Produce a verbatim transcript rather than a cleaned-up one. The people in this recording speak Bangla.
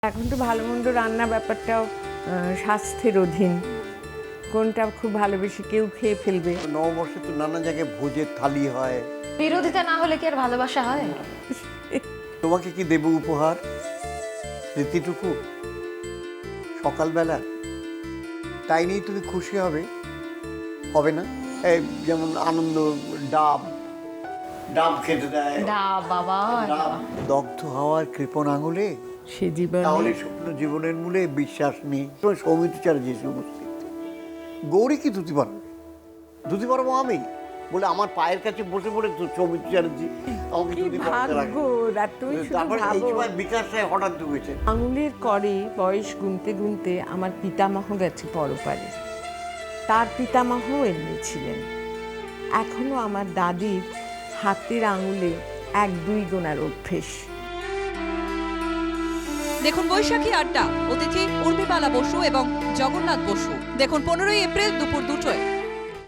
এখন তো ভালো মন্দ রান্না ব্যাপারটাও স্বাস্থ্যের অধীন, কোনটা খুব ভালোবেসে কেউ খেয়ে ফেলবে। নববর্ষে তো নানা জায়গায় ভোজের থালি হয়। বিরোধিতা না হলে কি আর ভালোবাসা হয়? তোমাকে কি দেব উপহার? স্মৃতিটুকু সকালবেলা, তাই নিয়ে তুমি খুশি হবে হবে না? এই যেমন আনন্দ ডাব ডাব খেতে দেয়, না বাবা, ডাব দগ্ধ হওয়ার কৃপণ আঙুলে, সে জীবনে তাহলে স্বপ্ন জীবনের মূলে বিশ্বাস নেই। সৌমিত্র চ্যাটার্জি উপস্থিত, গৌরী কি ধুতি পারবে? ধুতি পারবো আমি বলে আমার পায়ের কাছে বসে পড়ে সৌমিত্র চ্যাটার্জি আমাকে কি ধুতি পরাতে ভাগ্য, লাগে। আর তুই শুধু তারপরে এই ভাবো। সময় বিকাশ রায় হঠাৎ ঢুকেছে। আঙুলের করে বয়স গুনতে গুনতে আমার পিতামহ গেছে পরপারে, তার পিতামহ এমনি ছিলেন। এখনো আমার দাদির হাতের আঙুলে এক দুই গোনার অভ্যেস। দেখুন বৈশাখী আড্ডা, অতিথি উর্মিবালা বসু এবং জগন্নাথ বসু। দেখুন পনেরোই এপ্রিল দুপুর দুটোয়।